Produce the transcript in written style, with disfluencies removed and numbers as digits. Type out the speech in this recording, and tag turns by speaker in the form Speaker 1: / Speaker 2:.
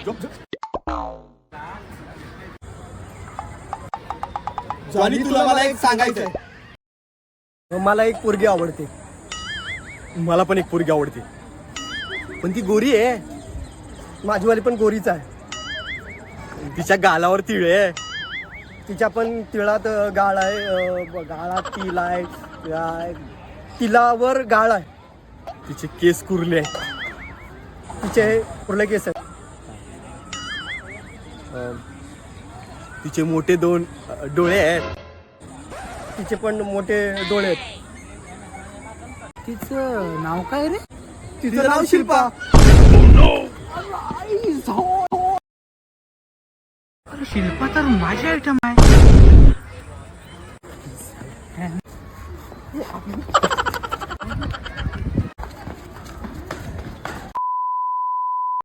Speaker 1: Johnny, तुला मला एक सांगायचंय.
Speaker 2: मला एक पोरगी आवडते.
Speaker 3: मला पण एक पोरगी आवडते, पण ती गोरी आहे.
Speaker 2: माझीवाली पण गोरीच आहे.
Speaker 3: तिच्या गालावर तिळ आहे.
Speaker 2: तिच्या पण तिळात गाळ आहे. गाळात तिल आहे. तिलावर गाळ आहे.
Speaker 3: तिचे केस कुरले आहे.
Speaker 2: तिचे कुर्ले केस आहेत.
Speaker 3: तिचे मोठे 2 डोळे आहेत.
Speaker 2: तिचे पण मोठे डोळे आहेत.
Speaker 1: तिचं नाव काय रे?
Speaker 2: तिचं नाव शिल्पा.
Speaker 1: अरे शिल्पा तर माझी आयटम आहे.